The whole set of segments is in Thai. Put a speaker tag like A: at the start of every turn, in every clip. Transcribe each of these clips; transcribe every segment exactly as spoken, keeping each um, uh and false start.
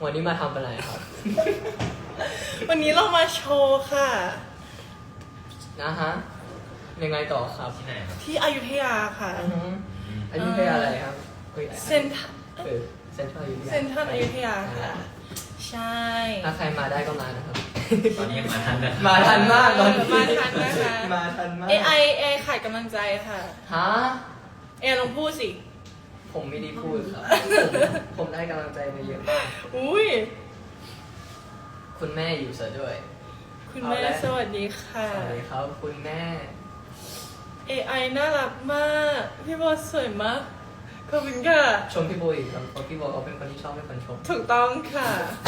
A: วันนี้มาทำอะไรครับ
B: วันนี้เรามาโชว์ค่ะ
A: นะฮะยังไงต่อครับ
C: ที่ไหนครับ
B: ที่อยุธยาค่ะ
A: อือฮึอันนี้เป็นอะไรครับฮ้ย
B: เซ็นทรัล
A: เออเซ็นทรัลอยุธยา
B: เซ็นทรัลอยุธยาค่ะ ใช่
A: ถ้าใครมาได้ก็มานะครับ
C: ตอนนี้ยังมาทันนะ
A: มาทันมากตอนนี้
B: มาทันนะคะ
A: มาทันมาก
B: เอไอเอขายกำลังใจค่ะ
A: ฮะ
B: เอลองพูดสิ
A: ผมไม่ได้พูดครับ ผมผมได้กำลังใจมาเยอะมาก
B: อุ้ย
A: คุณแม่อยู่ซะด้วย
B: คุณแม่
A: เอาละ
B: สวัสดีค่ะ
A: สวัสดีครับคุณแม่
B: เอไอน่ารักมาก พี่โบสวยมาก ขอบคุณค่ะ
A: ชมพี่โบอีกครับเพราะพี่โบเขาเป็นคนที่ชอบเป็นคนชม
B: ถูกต้องค่ะ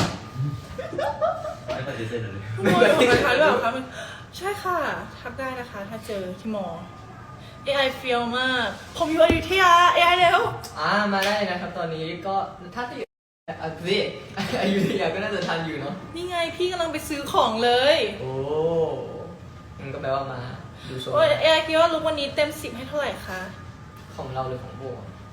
C: ไม่ปฏิเสธเลย
B: คุณโบอยู่กับใครหรือเปล่าคะใช่ค่ะ ทักได้นะคะ ถ้าเจอที่มอ เอ ไอ เฟียวมาก ผมอยู่อยุธยา เอ ไอ แล้ว
A: อ่ามาได้นะครับ ตอนนี้ก็ถ้าที่อ่ะสิอายุทยาก็น่าจะทันอยู่เนาะ
B: นี่ไงพี่กำลังไปซื้อของเลย
A: โอ้มันก็แปลว่ามาดูโชว์
B: โอ้ยเอ ไอ คิดว่าลุกวันนี้เต็มสิบให้เท่าไหร่คะ
A: ของเราหรือของโบ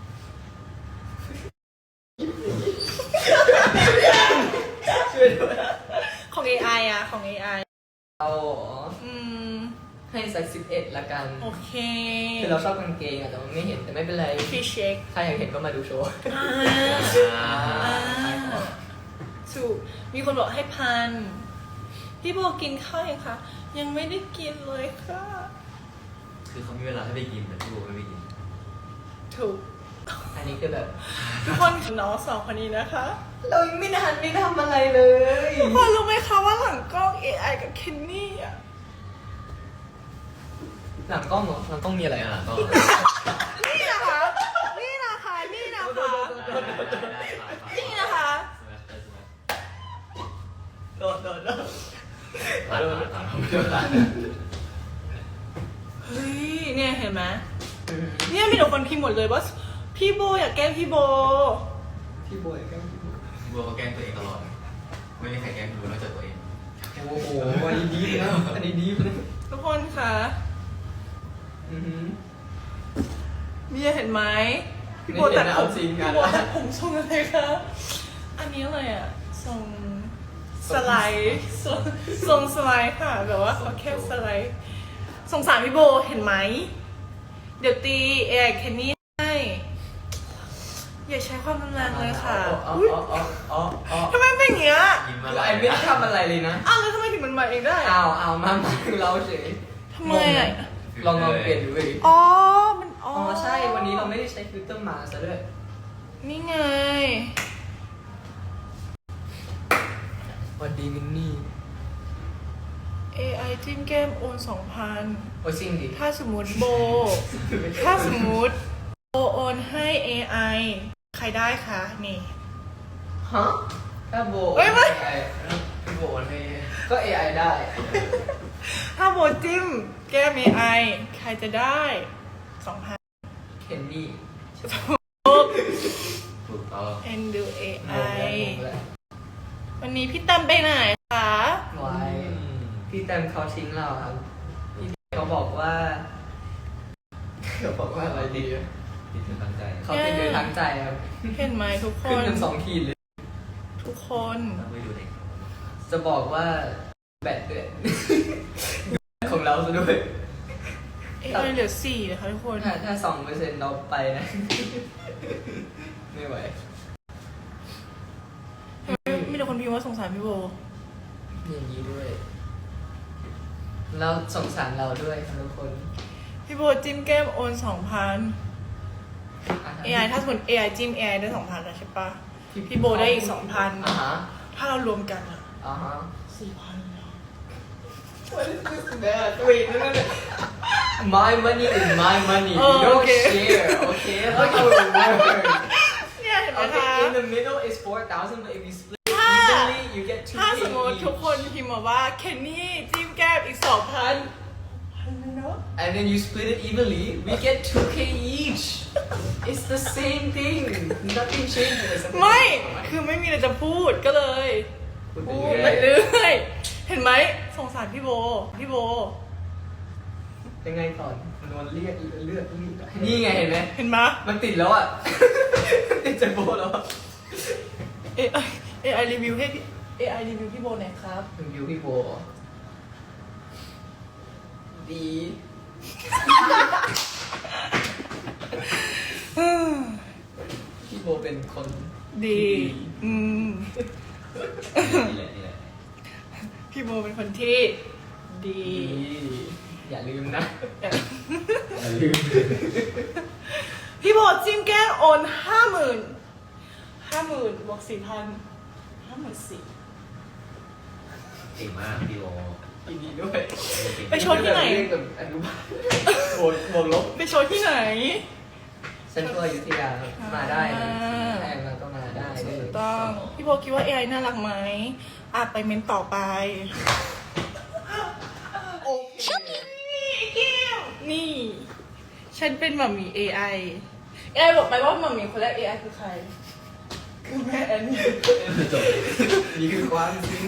A: ช่วยด้วย
B: ของ เอ ไอ อะของ เอ ไอ
A: เราเหรอ
B: อืม
A: ให้สักสิบเอ็ดละกัน
B: โอเค
A: คือเราชอบกางเกงอะแต่ว่าไม่เห็นแต่ไม่เป็นไร
B: พี่เช็ค
A: ถ้าอยากเห็นก็มาดูโชว์
B: อ่า
A: อ่า
B: อ่าถูกมีคนบอกให้พัน พี่โบกินข้าวยังคะ ยังไม่ได้กินเลยค่ะ
C: คือเขามีเวลาให้ไปกินแต่พี่โบไม่ไปกิน
B: ถูก
A: อันนี้คือแบบ
B: ทุกคนน้องสองคนนี้นะคะ
A: เรายังไม่ทันไม่ทำอะไรเลย
B: ทุกคนรู้ไหมคะว่าหลังกล้อง เอ ไอ กับเคนนี่อะ
A: หลังกล้องเหรอหลังกล้องมีอะไร
C: อ่า
A: อ่ะ
C: ก็
B: นี่นะคะ นี่นะคะ นี่นะคะ นี่นะคะ
A: โดดโดดโดด
C: ผ่านผ่านผ่าน
B: เฮ้ย เนี่ยเห็นไหมเนี่ยมีแต่คนพิมพ์หมดเลยว่าพี่โบอยากแกล้งพี่โบ
A: พี่บอยแกล้งพี่บอย
C: พี่โบเขาแกล้งตัวเองตลอด ไม่มีใครแกล้งพี่โบนอกจากตัวเอง
A: โอ้โหอันนี้ดีนะอันนี้ดีนะ
B: ทุกคนคะ
A: อือหือ
B: มีเห็นไหมพี่โบ
A: ไม่เห็
B: ตั
A: น
B: ด
A: นะ
B: ผ
A: เอา
B: ม
A: จริง
B: พี่
A: กัน
B: โบตัดผมทรงอะไรคะอันนี้อะไรอ่ะทรงสไลด์ทรงทรงสไลด์ค่ะแบบว่าเขาแค่สไลด์สงสารพี่โบเห็นไหมเดี๋ยวตีเอไอแคนนี่ให้อย่าใช้ความรุนแรงเลยค่ะ
A: อ๋อ
B: อุ๊ย
A: อ๋ออ๋ออ๋ออ๋อ
B: ทำไมเป็นอย่างเงี้ย
C: ยิ้มมา
A: ไอ้ไม่ได้ทำอะไรเลยนะ
B: อ้าวแล้วทำไมถึงมันมาเองได้
A: อ้าวอ้าวมามาเราเฉย
B: ทำไมอ่ะ
A: ลองลองเปลี่ยนดูดิ
B: อ๋อ มัน อ๋
A: อ๋
B: อ
A: อใช่วันนี้เราไม่ได้ใช้ฟิลเตอร์มาซะด้วย
B: นี่ไง
A: สวัสดีมินนี่
B: เอ ไอ จิ้มแก้มโอนสองพัน
A: โอ้ยจริงดิ
B: ถ้าสมมติโบ ถ้าสมมติโบโอนให้ เอ ไอ ใครได้คะ นี่
A: ฮะถ้าโบ
B: เอ้ยไม่
A: เอไอ
C: พี่โบนให้
A: ก็ เอ ไอ ได้
B: ถ้าโบจิ้มแก้ม เอ ไอ ใครจะได้สองพัน
A: เคนดี้
C: ถูกต้อง
B: เอ็นดู เอ ไอ
A: งงแล้วงงแล้ว
B: วันนี้พี่ตั้มไปไหนคะ
A: ไว้พี่แตมเขาทิ้งเราครับพี่เขาบอกว่าเขาบอกว่าอะไรดีอะ
C: ติดเธอตั้งใจ
A: เขาเป็นโดยทั้งใจครับ
B: เห็นไหมทุกค
A: ขึ้น
B: น
A: กันสองขีดเลย
B: ทุกคน
C: ต้องไปดูเด็ก
A: จะบอกว่าแบตเดือด ของเราซะด้วย
B: เอ ไอ เหลือสี่นะคะทุกคน
A: ถ้าถ้าสองเปอร์เซ็นต์เราไปนะ ไม่ไหว
B: มีแต่คนพิมพ์ว่าสงสารพี่โบ
A: อย่างนี้ด้วย แล้วสงสารเราด้วยครับทุกคน
B: พี่โบจิ้มแก้มโอนสองพัน เอ ไอ ถ้าสมมติ เอ ไอ จิ้ม เอ ไอ ได้สองพันแล้วใช่ปะพี่โบได้อีกสองพัน
A: อ่าฮะ
B: ถ้าเรารวมกันอะ
A: อ่าฮะ
B: สี่พันแล้ว
A: What is this bad? Wait, no, no, no. My money is my money.
B: Oh,
A: you don't
B: okay.
A: share, okay? That's how it works.
B: เนี่ยเห็นไหมคะ
A: Okay, in the middle is four thousand, but if you split
B: ถ้า
A: evenly, you get two
B: ถ้า
A: K
B: สมมติทุกคนพิมพ์มาว่าเคนนี่จิ้มแก้มอีกสองพันพันเนาะ
A: and then you split it evenly, we get two K each. It's the same thing. Nothing changes.
B: ไม่ คือไม่มีอะไรจะพูดก็เลย
A: พูด
B: พู
A: ไป
B: ด
A: เรื่อย
B: ไปเรื่อยเห็นไหมสงสารพี่โบ พี่โบ
A: ยังไงก่อนมันโดนเรียกเลือดนี่ไงเห็นไหม
B: เห็นไหม
A: มันติดแล้วอ่ะ ติดใจโบแล้วอะ
B: เอไอเอ ไอ รีวิวให้พี่ เอ ไอ รีวิวพี่โบหน่อยครับ
A: รีวิวพี่โบดี พี่โบเป็นคน
B: ดี อืม
C: นี่แหละนี่แหละ
B: พี่โบเป็นคนที่ดี
A: ดีอย่าลืมนะ
C: อย่าลืม
B: พี่โบจิ้มแก้มโอนห้าหมื่นห้าหมื่นบวกสี่พันห้าหมื่นสี่
C: เก่งมากพี่โอ
A: ดีดีด้วย
B: ไปโชว์ที่ไหน
A: เรียกแบบอนุบาลโบนโบนลบ
B: ไปโชว์ที่ไหน
A: เซ็นทรัลอยุธยาครับมาได้นะ
B: อ่า
A: แพงมาก็มาได้เลย
B: ต้อง พี่โบคิดว่า เอ ไอ น่ารักไหมอ่ะไปเมนต่อไป
A: โอเค
B: นี่ ฉันเป็นหมัมมี่ เอ ไอ เอ ไอ บอกไปว่าหมัมมี่คนแรก เอ ไอ คือใคร คือแม่แอนนี่
C: จบ
A: นี่คือความจริง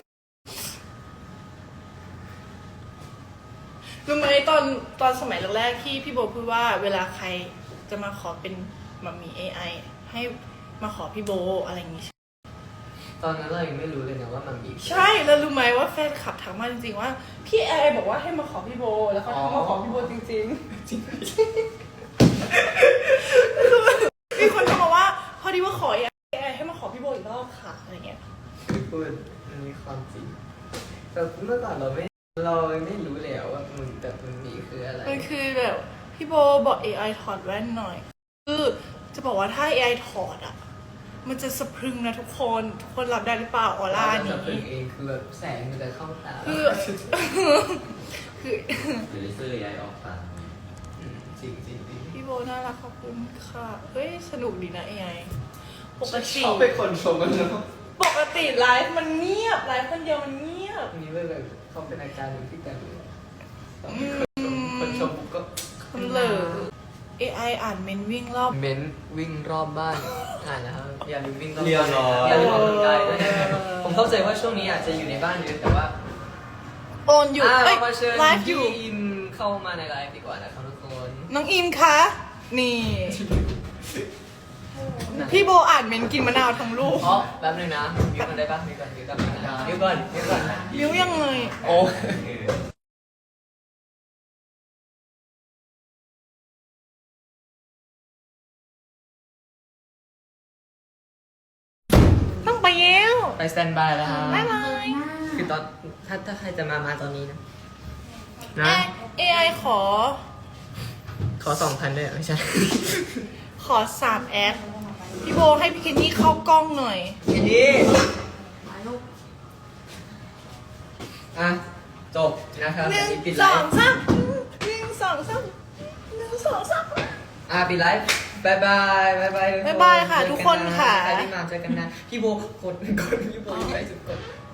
B: รู้ไหมตอนตอนสมัยแรกๆที่พี่โบพูดว่าเวลาใครจะมาขอเป็นหมัมมี่ เอ ไอ ให้มาขอพี่โบอะไรอย่างงี้
A: ตอนนั้นเรายังไม่รู้เลยนะว่ามันมี
B: ใช่แล้วรู้ไหมว่าแฟนคลับถามมาจริงๆว่าพี่เอ ไอ บอกว่าให้มาขอพี่โบ แล้วเขาทักมาขอพี่โบจริงๆ จริงมีคนทักมาว่าพอดีว่าขอ เอ ไอ ให้มาขอพี่โบอีกรอบค่ะอะไรเงี้ย
A: คือพูดมันมีความจริงแต่เมื่อก่อนเราไม่เราไม่รู้เลยอะว่ามันแต่มันมีคืออะไร
B: มันคือแบบพี่โบบอก เอ ไอ ถอดแว่นหน่อย คือจะบอกว่าถ้า เอ ไอ ถอดอ่ะ มันจะสะพรึงนะทุกคน ทุกคนรับได้หรือเปล่าออร่า
A: จะ
B: นี้
A: เป็นเองคือแบบแสงมันจะเข้าตา
B: คือ คือ
C: หรือเลเซอร์ย้ายออกตา
A: มจริงจริงจริง
B: พี่โบน่ารักขอบคุณค่ะ เฮ้ย สนุกดีนะ เอ ไอ ปกติ
A: ชอบเป็นคนชมกันเนาะ
B: ปกติไลฟ์มันเงียบ ไลฟ์คนเดียวมันเงียบ
A: มีเรื่องแบบเขาเป็นอาการหนึ่งที่กันเลยตอนที่คนชมคนชมปุ๊บก็
B: คนเหลอ เอ ไอ อ่านเมนวิ่งรอบ
A: เม้นวิ่งรอบบ้านอ่านนะครับอย่าลืมวิ่งรอบ
C: เรียบ
A: บ้าน
C: ร้อย
A: อย่าลืมออกกำลังกายด้วยนะครับผมเข้าใจว่าช่วงนี้อาจจะอยู่ในบ้านเยอะแต่ว่า
B: โอนอยู่
A: อ่ะ
B: เอ้
A: เรา
B: ย
A: มาเชิญ
B: ไลฟ์อยู่
A: พี่อิมเข้ามาในไลฟ์ดีกว่านะครับทุกคน
B: น้องอิมคะ นี่ พี่โบอ่านเมนกินมะนาวทั้งลูก
A: อ๋อแป๊บนึงนะมิวกันได้ปะมิวกันมิวกันมิวก่อนมิวก่อน
B: มิ้วยังไง
A: โอ้
B: ต้องไปแล้ว
A: ไปสแตนบายแล้วครับ
B: บ๊ายบาย
A: คือตอนถ้าถ้าใครจะมามาตอนนี้นะ
B: เอ
A: นะ
B: เอไอขอ
A: ขอสองพันด้วยเหรอไม่ใช่
B: ขอสามแอด พี่โบให้พี่เคนนี่เข้ากล้องหน่อย
A: ทีนี้อ่ะจบนะครับ
B: หนึ่ง
A: อันนี้ปิด
B: ส
A: ไล
B: อง
A: ฟ์
B: สามหนึ่งสองสามหนึ่งสองสาม
A: อ่ะปิดไลฟ์บายบายบายบาย
B: บ๊ายบายค่ะ
A: เจอ
B: ทุกคนค่ะ
A: ใครที่มาเจอกันนะพี่โบกดกดพี่โบอยู่ไหนสุดกด